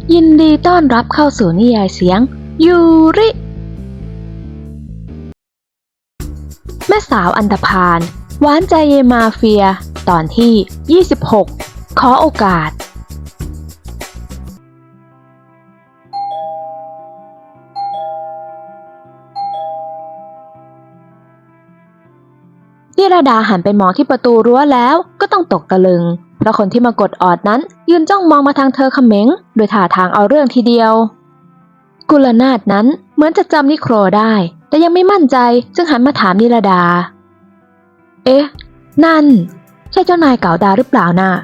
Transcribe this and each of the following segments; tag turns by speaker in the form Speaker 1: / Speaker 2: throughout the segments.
Speaker 1: ยินดีต้อนรับเข้าสู่นิยายเสียงยูริแม่สาวอันธพาลหวานใจเยมาเฟียตอนที่26ขอโอกาสนิรดาหันไปมองที่ประตูรั้วแล้วก็ต้องตกตะลึงเพราะคนที่มากดออดนั้นยืนจ้องมองมาทางเธอเขม็งโดยท่าทางเอาเรื่องทีเดียวกุลนาถนั้นเหมือนจะจำนิโครได้แต่ยังไม่มั่นใจจึงหันมาถามนิรดาเอ๊ะนั่นใช่เจ้านายเก่าดาหรือเปล่าน่ะ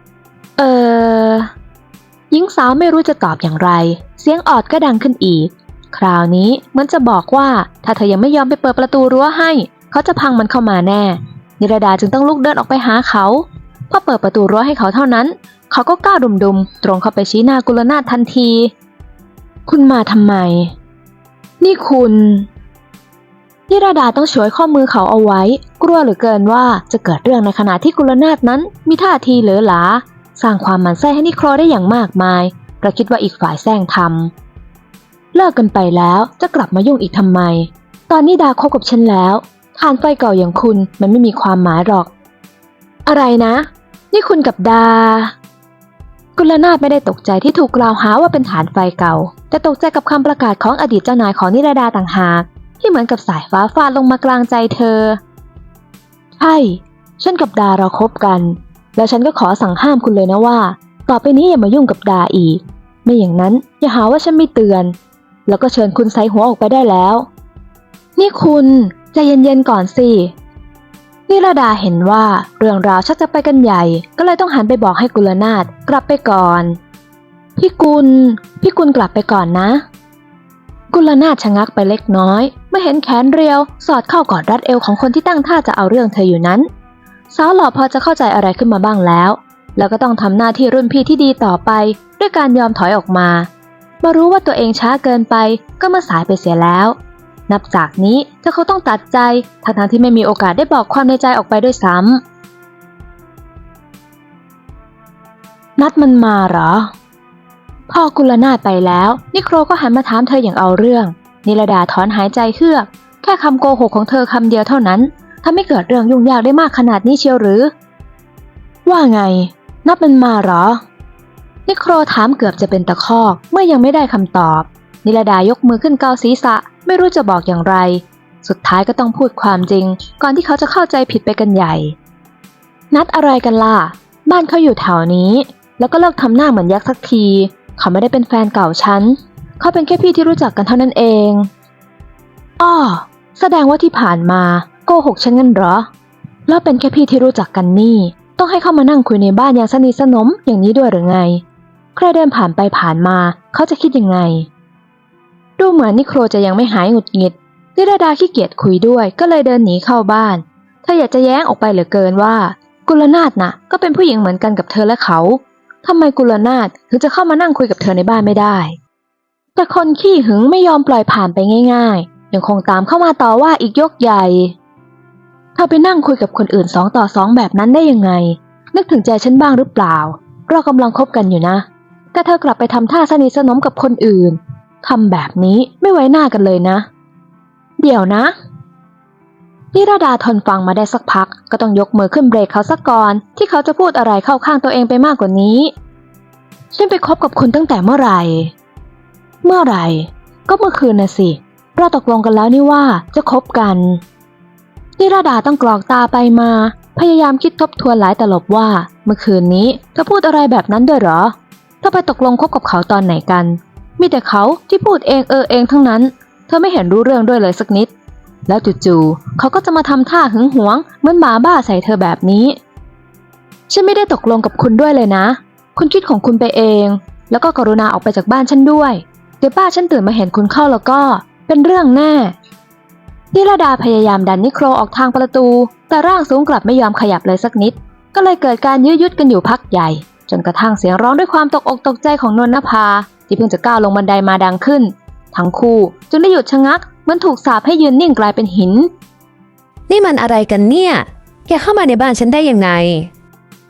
Speaker 1: หญิงสาวไม่รู้จะตอบอย่างไรเสียงออดก็ดังขึ้นอีกคราวนี้เหมือนจะบอกว่าถ้าเธอยังไม่ยอมไปเปิดประตูรั้วให้เขาจะพังมันเข้ามาแน่นิรดาจึงต้องลุกเดินออกไปหาเขาพอเปิดประตูรั้วให้เขาเท่านั้นเขาก็ก้าวดุมๆตรงเข้าไปชี้หน้ากุลนาถทันทีคุณมาทำไมนี่คุณนิรดาต้องฉวยข้อมือเขาเอาไว้กลัวเหลือเกินว่าจะเกิดเรื่องในขณะที่กุลนาถนั้นมีท่าทีเหลอหลาสร้างความหมั่นไส้ให้นิโครได้อย่างมากมายเพราะคิดว่าอีกฝ่ายแซงทำเลิกกันไปแล้วจะกลับมายุ่งอีกทำไมตอนนี้ดาคบกับฉันแล้วฐานไฟเก่าอย่างคุณมันไม่มีความหมายหรอกอะไรนะนี่คุณกับดากุลนาถไม่ได้ตกใจที่ถูกกล่าวหาว่าเป็นฐานไฟเก่าแต่ตกใจกับคำประกาศของอดีตเจ้านายของนิรดาต่างหากที่เหมือนกับสายฟ้าฟาดลงมากลางใจเธอใช่ฉันกับดาเราคบกันแล้วฉันก็ขอสั่งห้ามคุณเลยนะว่าต่อไปนี้อย่ามายุ่งกับดาอีกไม่อย่างนั้นอย่าหาว่าฉันไม่เตือนแล้วก็เชิญคุณใส่หัวออกไปได้แล้วนี่คุณใจเย็นๆก่อนสินิรดาเห็นว่าเรื่องราวชักจะไปกันใหญ่ก็เลยต้องหันไปบอกให้กุลนาถกลับไปก่อนพี่กุลกลับไปก่อนนะกุลนาถชะงักไปเล็กน้อยเมื่อเห็นแขนเรียวสอดเข้ากอดรัดเอวของคนที่ตั้งท่าจะเอาเรื่องเธออยู่นั้นสาวหล่อพอจะเข้าใจอะไรขึ้นมาบ้างแล้วก็ต้องทำหน้าที่รุ่นพี่ที่ดีต่อไปด้วยการยอมถอยออกมารู้ว่าตัวเองช้าเกินไปก็มาสายไปเสียแล้วนับจากนี้เธอเขาต้องตัดใจทั้งที่ไม่มีโอกาสได้บอกความในใจออกไปด้วยซ้ำนัดมันมาเหรอพอกุลนาถไปแล้วนิโครก็หันมาถามเธออย่างเอาเรื่องนิรดาถอนหายใจเฮือกแค่คำโกหกของเธอคำเดียวเท่านั้นทำให้เกิดเรื่องยุ่งยากได้มากขนาดนี้เชียวหรือว่าไงนัดมันมาเหรอนิโครถามเกือบจะเป็นตะคอกเมื่อยังไม่ได้คำตอบนิรดายกมือขึ้นเกาศีรษะไม่รู้จะบอกอย่างไรสุดท้ายก็ต้องพูดความจริงก่อนที่เขาจะเข้าใจผิดไปกันใหญ่นัดอะไรกันล่ะบ้านเขาอยู่แถวนี้แล้วก็เลิกทำหน้าเหมือนยักษ์สักทีเขาไม่ได้เป็นแฟนเก่าฉันเขาเป็นแค่พี่ที่รู้จักกันเท่านั้นเองอ้อแสดงว่าที่ผ่านมาโกหกฉันงั้นเหรอแล้วเป็นแค่พี่ที่รู้จักกันนี่ต้องให้เข้ามานั่งคุยในบ้านอย่างสนิทสนมอย่างนี้ด้วยหรือไงใครเดินผ่านไปผ่านมาเขาจะคิดยังไงดูเหมือนนิโครจะยังไม่หายหงุดหงิดนิรดาขี้เกียจคุยด้วยก็เลยเดินหนีเข้าบ้านเธออยากจะแย้งออกไปเหลือเกินว่ากุลนาถน่ะก็เป็นผู้หญิงเหมือนกันกับเธอและเขาทำไมกุลนาถถึงจะเข้ามานั่งคุยกับเธอในบ้านไม่ได้แต่คนขี้หึงไม่ยอมปล่อยผ่านไปง่ายๆยังคงตามเข้ามาต่อว่าอีกยกใหญ่เธอไปนั่งคุยกับคนอื่น2 ต่อ 2แบบนั้นได้ยังไงนึกถึงใจฉันบ้างหรือเปล่าเรากำลังคบกันอยู่นะแต่เธอกลับไปทำท่าสนิทสนมกับคนอื่นทำแบบนี้ไม่ไว้หน้ากันเลยนะเดี๋ยวนะนิรดาทนฟังมาได้สักพักก็ต้องยกมือขึ้นเบรกเขาซะก่อนที่เขาจะพูดอะไรเข้าข้างตัวเองไปมากกว่านี้ฉันไปคบกับคุณตั้งแต่เมื่อไหร่ก็เมื่อคืนน่ะสิเราตกลงกันแล้วนี่ว่าจะคบกันนิรดาต้องกรอกตาไปมาพยายามคิดทบทวนหลายตลบว่าเมื่อคืนนี้เธอพูดอะไรแบบนั้นด้วยเหรอเธอไปตกลงคบกับเขาตอนไหนกันมีแต่เขาที่พูดเองทั้งนั้นเธอไม่เห็นรู้เรื่องด้วยเลยสักนิดแล้วจู่ๆเขาก็จะมาทำท่าหึงหวงเหมือนหมาบ้าใส่เธอแบบนี้ฉันไม่ได้ตกลงกับคุณด้วยเลยนะคุณคิดของคุณไปเองแล้วก็กรุณาออกไปจากบ้านฉันด้วยเดี๋ยวป้าฉันตื่นมาเห็นคุณเข้าแล้วก็เป็นเรื่องแน่นิรดาพยายามดันนิโครออกทางประตูแต่ร่างสูงกลับไม่ยอมขยับเลยสักนิดก็เลยเกิดการยื้อยุดกันอยู่พักใหญ่จนกระทั่งเสียงร้องด้วยความตกอกตกใจของนนนภาที่เพิ่งจะก้าวลงบันไดมาดังขึ้นทั้งคู่จึงได้หยุดชะงักเหมือนถูกสาปให้ยืนนิ่งกลายเป็นหิน
Speaker 2: นี่มันอะไรกันเนี่ยแกเข้ามาในบ้านฉันได้ยังไง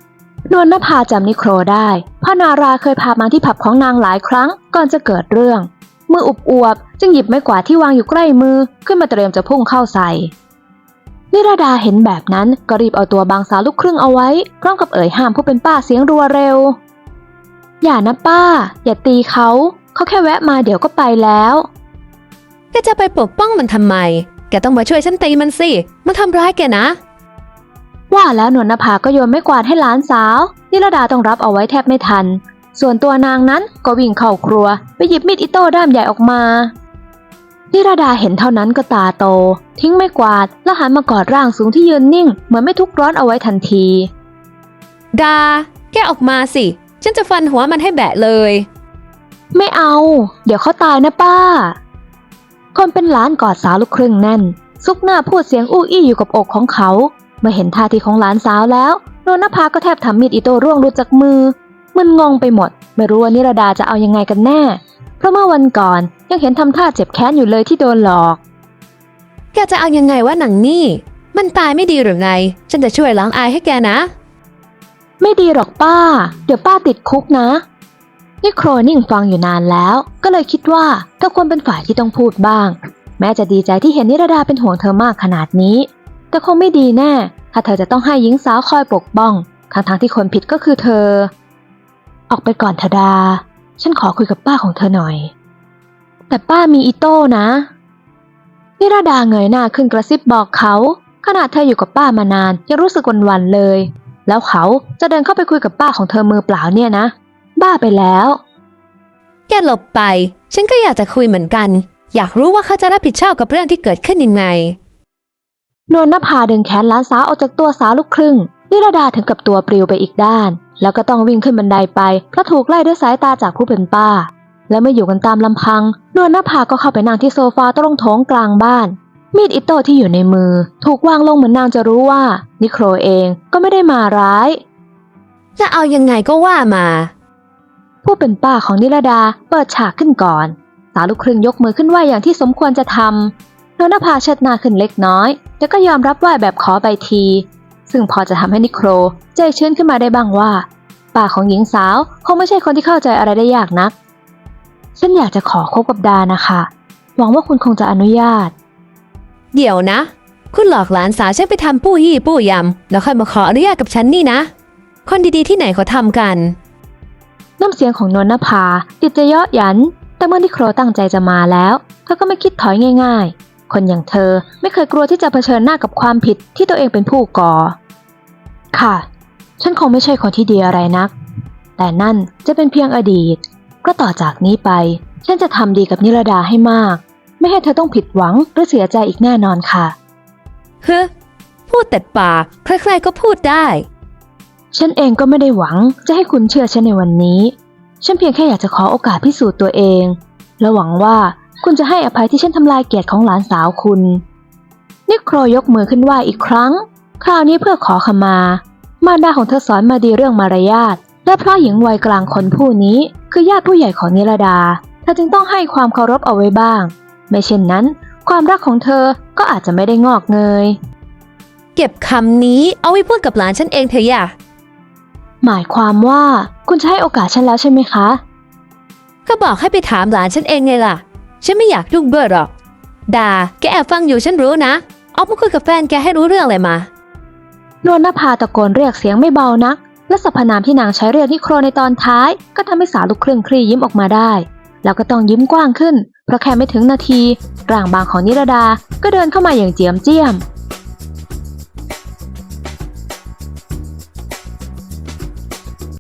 Speaker 1: นวลนภาจำนิโครได้เพราะนาราเคยพามาที่ผับของนางหลายครั้งก่อนจะเกิดเรื่องมืออุบอวบจึงหยิบไม้กวาดที่วางอยู่ใกล้มือขึ้นมาเตรียมจะพุ่งเข้าใส่นิราดาเห็นแบบนั้นก็รีบเอาตัวบางสาวลูกครึ่งเอาไว้พร้อมกับเอ่ยห้ามผู้เป็นป้าเสียงรัวเร็วอย่านะป้าอย่าตีเขาแค่แวะมาเดี๋ยวก็ไปแล้ว
Speaker 2: แกจะไปปกป้องมันทำไมแกต้องมาช่วยฉันตีมันสิมันทำร้ายแกนะ
Speaker 1: ว่าแล้วนวลนภาก็โยนไม้กวาดให้หลานสาวนิราดาต้องรับเอาไว้แทบไม่ทันส่วนตัวนางนั้นก็วิ่งเข้าครัวไปหยิบมีดอิโต้ด้ามใหญ่ออกมานิราดาเห็นเท่านั้นก็ตาโตทิ้งไม้กวาดแล้วหันมากอดร่างสูงที่ยืนนิ่งเหมือนไม่ทุกข์ร้อนเอาไว้ทันที
Speaker 2: ดาแกออกมาสิฉันจะฟันหัวมันให้แบะเลย
Speaker 1: ไม่เอาเดี๋ยวเขาตายนะป้าคนเป็นหลานกอดสาวลูกครึ่งแน่นซุกหน้าพูดเสียงอู้อี้อยู่กับอกของเขาเมื่อเห็นท่าทีของหลานสาวแล้วนวลนภาก็แทบทำมีดอิโต้ร่วงหลุดจากมือมึนงงไปหมดไม่รู้ว่านิราดาจะเอายังไงกันแน่เพราะเมื่อวันก่อนยังเห็นทำท่าเจ็บแค้นอยู่เลยที่โดนหลอก
Speaker 2: แกจะเอายังไงวะหนังนี่มันตายไม่ดีหรือไงฉันจะช่วยล้างอายให้แกนะ
Speaker 1: ไม่ดีหรอกป้าเดี๋ยวป้าติดคุกนะนิโครนิ่งฟังอยู่นานแล้วก็เลยคิดว่าเธอควรเป็นฝ่ายที่ต้องพูดบ้างแม้จะดีใจที่เห็นนิราดาเป็นห่วงเธอมากขนาดนี้แต่คงไม่ดีแน่ถ้าเธอจะต้องให้หญิงสาวคอยปกป้องทั้งที่คนผิดก็คือเธอออกไปก่อนเถอะดาฉันขอคุยกับป้าของเธอหน่อยแต่ป้ามีอิโต้นะนิราดาเงยหน้าขึ้นกระซิบบอกเขาขนาดเธออยู่กับป้ามานานยังรู้สึกหวั่นๆเลยแล้วเขาจะเดินเข้าไปคุยกับป้าของเธอมือเปล่าเนี่ยนะบ้าไปแล้ว
Speaker 2: แกหลบไปฉันก็อยากจะคุยเหมือนกันอยากรู้ว่าเขาจะรับผิดชอบกับเรื่องที่เกิดขึ้นยังไง
Speaker 1: นวลนภาดึงแขนหลานสาวออกจากตัวสาวลูกครึ่งนิราดาถึงกับตัวปลิวไปอีกด้านแล้วก็ต้องวิ่งขึ้นบันไดไปเพราะถูกไล่ด้วยสายตาจากผู้เป็นป้าและเมื่ออยู่กันตามลำพังนวลนภาก็เข้าไปนั่งที่โซฟาตรงโถงกลางบ้านมีดอิโต้ที่อยู่ในมือถูกวางลงเหมือนนางจะรู้ว่านิโครเองก็ไม่ได้มาร้าย
Speaker 2: จะเอายังไงก็ว่ามา
Speaker 1: ผู้เป็นป้าของนิราดาเปิดฉากขึ้นก่อนสาวลูกครึ่งยกมือขึ้นไหวอย่างที่สมควรจะทำนวลนภาเชิดหน้าขึ้นเล็กน้อยแต่ก็ยอมรับไหวแบบขอใบทีซึ่งพอจะทำให้นิโครใจชื้นขึ้นมาได้บ้างว่าป้าของหญิงสาวคงไม่ใช่คนที่เข้าใจอะไรได้ยากนักฉันอยากจะขอคบกับดานะคะหวังว่าคุณคงจะอนุญาต
Speaker 2: เดี๋ยวนะคุณหลอกหลานสาวฉันไปทำปู้ยี่ปู้ยำแล้วค่อยมาขออนุญาตกับฉันนี่นะคนดีๆที่ไหนเขาทำกัน
Speaker 1: น้ำเสียงของนวลนภาติดจะเยาะหยันแต่เมื่อนิโครตั้งใจจะมาแล้วเธอก็ไม่คิดถอยง่ายๆคนอย่างเธอไม่เคยกลัวที่จะเผชิญหน้ากับความผิดที่ตัวเองเป็นผู้ก่อค่ะฉันคงไม่ใช่คนที่ดีอะไรนักแต่นั่นจะเป็นเพียงอดีตก็ต่อจากนี้ไปฉันจะทำดีกับนิราดาให้มากไม่ให้เธอต้องผิดหวังหรือเสียใจอีกแน่นอนค่ะ
Speaker 2: พูดแต่ปากใครๆก็พูดได้
Speaker 1: ฉันเองก็ไม่ได้หวังจะให้คุณเชื่อฉันในวันนี้ฉันเพียงแค่อยากจะขอโอกาสพิสูจน์ตัวเองและหวังว่าคุณจะให้อภัยที่ฉันทำลายเกียรติของหลานสาวคุณนิโครยกมือขึ้นไหว้อีกครั้งคราวนี้เพื่อขอขมามารดาของเธอสอนมาดีเรื่องมารยาทและเพราะหญิงวัยกลางคนผู้นี้คือญาติผู้ใหญ่ของนิราดาเธอจึงต้องให้ความเคารพเอาไว้บ้างไม่เช่นนั้นความรักของเธอก็อาจจะไม่ได้งอกเงย
Speaker 2: เก็บคำนี้เอาไว้พูดกับหลานฉันเองเถอะอย่า
Speaker 1: หมายความว่าคุณจะให้โอกาสฉันแล้วใช่ไหมคะ
Speaker 2: ก็บอกให้ไปถามหลานฉันเองไงล่ะฉันไม่อยากยุ่งด้วยหรอกดาแกแอบฟังอยู่ฉันรู้นะออกมาคุยกับแฟนแกให้รู้เรื่องอะไรมาน
Speaker 1: วลนภาตะโกนเรียกเสียงไม่เบานักและสรรพนามที่นางใช้เรียกนิโครในตอนท้ายก็ทำให้สาวลูกครึ่งคลี่ยิ้มออกมาได้แล้วก็ต้องยิ้มกว้างขึ้นเพราะแค่ไม่ถึงนาทีร่างบางของนิราดาก็เดินเข้ามาอย่างเจียมเจี้ยม